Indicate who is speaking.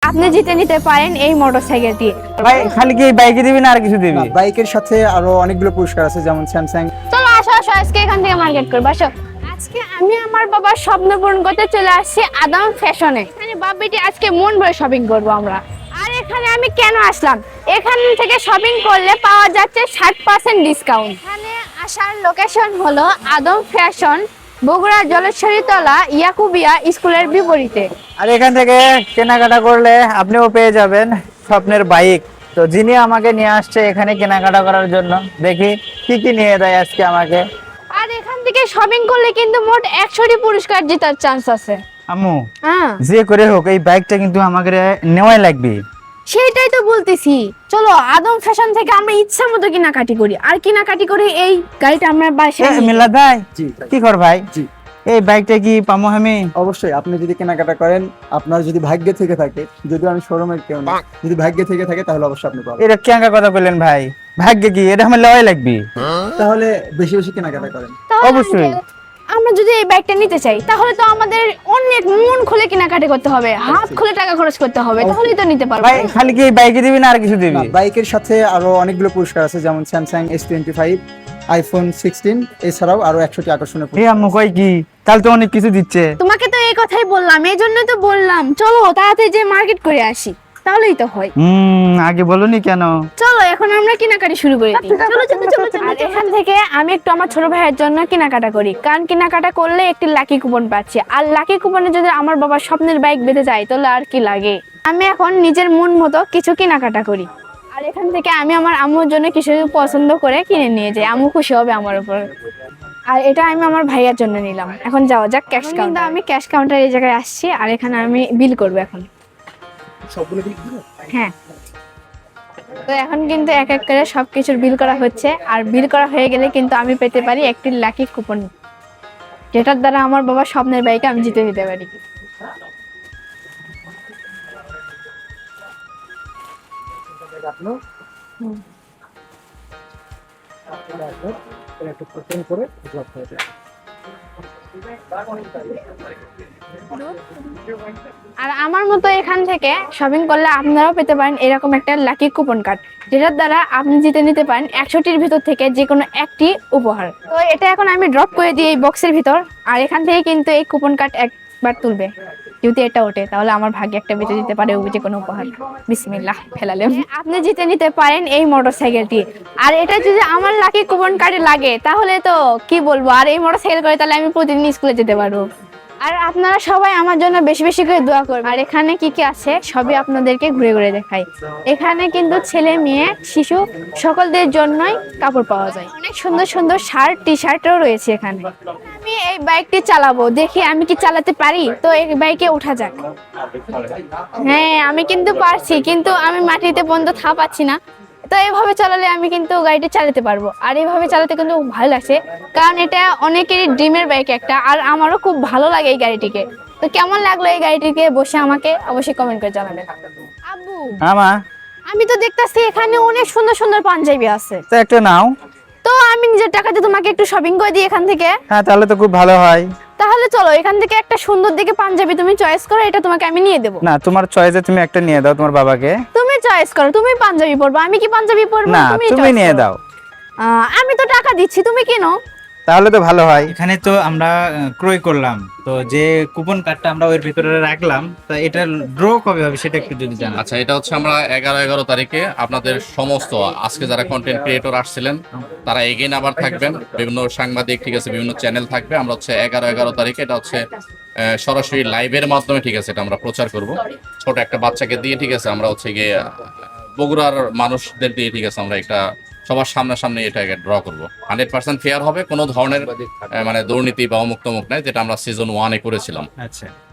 Speaker 1: আপনি জিতে নিতে পারেন এই মোটরসাইকেলটি।
Speaker 2: ভাই খালি কি বাইকে দিবি না আর কিছু দিবি?
Speaker 3: বাইকের সাথে আরো অনেকগুলো পুরস্কার আছে, যেমন স্যামসাং।
Speaker 1: চলো আসো আসো, আজকে এখান থেকে মার্কেট করবো। আসো, আজকে আমি আমার বাবার স্বপ্ন পূরণ করতে চলে আসছি আদম ফ্যাশনে। এখানে বাবিটি আজকে মন ভরে শপিং করবো আমরা। আর এখানে আমি কেন আসলাম, এখান থেকে শপিং করলে পাওয়া যাচ্ছে 60% ডিসকাউন্ট। এখানে আসার লোকেশন হলো আদম ফ্যাশন, বগুড়া জলেশ্বরী তলা ইয়াকুবিয়া স্কুলের বিপরীতে।
Speaker 2: আর এখান থেকে কেনাকাটা করলে আপনিও পেয়ে যাবেন স্বপ্নের বাইক। তো যিনি আমাকে নিয়ে আসছে এখানে কেনাকাটা করার জন্য, দেখি কি কি নিয়ে দেয় আজকে আমাকে।
Speaker 1: আর এখান থেকে শপিং করলে কিন্তু মোট 100টি পুরস্কার জেতার চান্স আছে।
Speaker 2: আম্মু,
Speaker 1: হ্যাঁ
Speaker 2: যে করে হোক এই বাইকটা কিন্তু আমাকে নেওয়াই লাগবে।
Speaker 1: সেইটাই তো বলতেছি, চলো আদম ফ্যাশন থেকে আমরা ইচ্ছা মতো কেনাকাটি করি, আর কেনাকাটি করে এই গাড়িটা আমরা বাসায় নিয়ে
Speaker 2: মিল্লাত ভাই,
Speaker 3: জি
Speaker 2: কি কর ভাই?
Speaker 3: জি
Speaker 2: এই বাইকটা কি পামো আমি?
Speaker 3: অবশ্যই, আপনি যদি কেনাকাটা করেন, আপনার যদি ভাগ্যে থেকে থাকে, যদি আমি শোরুমের কেউ না, যদি ভাগ্যে থেকে থাকে তাহলে অবশ্যই আপনি পাবেন।
Speaker 2: এটা কেঙ্কা কথা বললেন ভাই? ভাগ্যে কি এটা আমার লওয়াই লাগবে?
Speaker 3: তাহলে বেশি বেশি কেনাকাটা করেন।
Speaker 1: তাহলে
Speaker 2: অবশ্যই।
Speaker 1: আমরা যদি এই বাইকটা নিতে চাই তাহলে তো আমাদের অনেক মন খুলে কেনাকাটি করতে হবে, হাত খুলে টাকা খরচ করতে হবে, তাহলেই তো নিতে পারবো।
Speaker 2: ভাই খালি কি বাইকে দিবি না আর কিছু দিবি?
Speaker 3: বাইকের সাথে আরো অনেকগুলো পুরস্কার আছে, যেমন স্যামসাং S25, আইফোন 16, এছাড়াও আরো 100টি আকর্ষণীয়
Speaker 2: এই আম্মু কই কি, তাহলে তো অনেক কিছু দিচ্ছে।
Speaker 1: তোমাকে তো এই কথাই বললাম, এই জন্যই তো বললাম চলো তাড়াতাড়ি যে মার্কেট করে আসি, তাহলেই তো হয়।
Speaker 2: আগে বলনি কেন?
Speaker 1: চলো এখন আমরা কেনাকাটি শুরু করে দিই। চলো চলো চলো চলো। আর এখান থেকে আমি একটু আমার ছোট ভাইয়ের জন্য কেনাকাটা করি, কারণ কেনাকাটা করলে একটি লাকি কুপন পাচ্ছি, আর লাকি কুপনে যদি আমার বাবার স্বপ্নের বাইক বেঁধে যায় তাহলে আর কি লাগে। আমি এখন নিজের মন মতো কিছু কেনাকাটা করি, আর এখান থেকে আমি আমার আম্মুর জন্য কিছু পছন্দ করে কিনে নিয়ে যাই, আম্মু খুশি হবে আমার উপর। আর এটা আমি আমার ভাইয়ার জন্য নিলাম। এখন যাওয়া যাক ক্যাশ কাউন্টার। আমি ক্যাশ কাউন্টার এই জায়গায় আসছি, আর এখানে আমি বিল করবো এখন। হ্যাঁ, তো এখন কিন্তু এক এক করে সবকিছুর বিল করা হচ্ছে, আর বিল করা হয়ে গেলে কিন্তু আমি পেতে পারি একটি লাকি কুপন, যেটার দ্বারা আমার বাবার স্বপ্নের বাইকে আমি জিতে নিতে পারি। আর আমার মতো এখান থেকে শপিং করলে আপনারাও পেতে পারেন এরকম একটা লাকি কুপন কার্ড, যেটার দ্বারা আপনি জিতে নিতে পারেন 100টির ভিতর থেকে যে কোনো একটি উপহার। তো এটা এখন আমি ড্রপ করে দিই এই বক্সের ভিতর, আর এখান থেকে কিন্তু এই কুপন কার্ড একবার তুলবে, যদি এটা ওঠে তাহলে আমার ভাগ্যে একটা বেঁচে দিতে পারে যে কোনো উপহার। বিসমিল্লাহ ফেলালেন। আপনি জিতে নিতে পারেন এই মোটরসাইকেলটি, আর এটা যদি আমার লাকি কুপন কার্ডে লাগে তাহলে তো কি বলবো, আর এই মোটরসাইকেল করে তাহলে আমি প্রতিদিন স্কুলে যেতে পারবো। আর আপনারা সবাই আমার জন্য বেশি বেশি করে দোয়া করবেন। আর এখানে কি কি আছে সবই আপনাদেরকে ঘুরে ঘুরে দেখাই। এখানে কিন্তু ছেলে মেয়ে শিশু সকলদের জন্যই কাপড় পাওয়া যায়, অনেক সুন্দর সুন্দর শার্ট টি শার্টও রয়েছে এখানে। আমি এই বাইকটি চালাবো, দেখি আমি কি চালাতে পারি, তো এই বাইকে ওঠা যাক। হ্যাঁ আমি কিন্তু পারছি, কিন্তু আমি মাটিতে পর্যন্ত থা পাচ্ছি না, তো এইভাবে চালালে আমি কিন্তু গাড়িটা চালাতে পারবো। আর এইভাবে চালাতে কিন্তু ভালো লাগছে, কারণ এটা অনেকেরই ড্রিমের বাইক একটা, আর আমারও খুব ভালো লাগে এই গাড়িটিকে। তো কেমন লাগলো এই গাড়িটিকে বসে আমাকে অবশ্যই কমেন্ট করে জানাবেন। আব্বু,
Speaker 2: আমা,
Speaker 1: আমি তো দেখতাছি এখানে অনেক সুন্দর সুন্দর পাঞ্জাবি আছে,
Speaker 2: তো একটা নাও।
Speaker 1: তো আমি নিজের টাকাতে তোমাকে একটু শপিং করে দিই এখান থেকে।
Speaker 2: হ্যাঁ তাহলে তো খুব ভালো হয়।
Speaker 1: তাহলে চলো এখান থেকে একটা সুন্দর দেখে পাঞ্জাবি তুমি চয়েস করো, এটা তোমাকে আমি নিয়ে দেবো।
Speaker 2: না, তোমার চয়েসে তুমি একটা নিয়ে দাও তোমার বাবাকে।
Speaker 1: তুমি চয়েস করো, তুমি পাঞ্জাবি পরবা, আমি কি পাঞ্জাবি পরবো?
Speaker 2: না, তুমি
Speaker 1: choice
Speaker 2: নিয়ে
Speaker 1: করো।
Speaker 2: দাও।
Speaker 1: আমি তো টাকা দিচ্ছি, তুমি কিনো।
Speaker 2: তাহলে তো ভালো হয়। এখানে তো আমরা ক্রয় করলাম, তো যে কুপন কার্ডটা আমরা ওর ভিতরে রাখলাম, তা এটা ড্র কবে হবে সেটা একটু যদি জানান।
Speaker 4: আচ্ছা, এটা হচ্ছে আমরা 11 তারিখে আপনাদের সমস্ত আজকে যারা কন্টেন্ট ক্রিয়েটর আসছিলেন তারা এগেইন আবার থাকবেন, বিভিন্ন সাংবাদিক, ঠিক আছে, বিভিন্ন চ্যানেল থাকবে। আমরা হচ্ছে 11 তারিখে এটা হচ্ছে সরাসরি লাইভের মাধ্যমে, ঠিক আছে, এটা আমরা প্রচার করব ছোট একটা বাচ্চাকে দিয়ে, ঠিক আছে। আমরা হচ্ছে গিয়ে বগুড়ার মানুষদের দিয়ে, ঠিক আছে, আমরা একটা সবার সামনাসামনি এটাকে ড্র করবো। 100% ফেয়ার হবে, কোনো ধরনের মানে দুর্নীতি বা অমুক তমুক নাই, যেটা আমরা সিজন 1-এ করেছিলাম।
Speaker 2: আচ্ছা।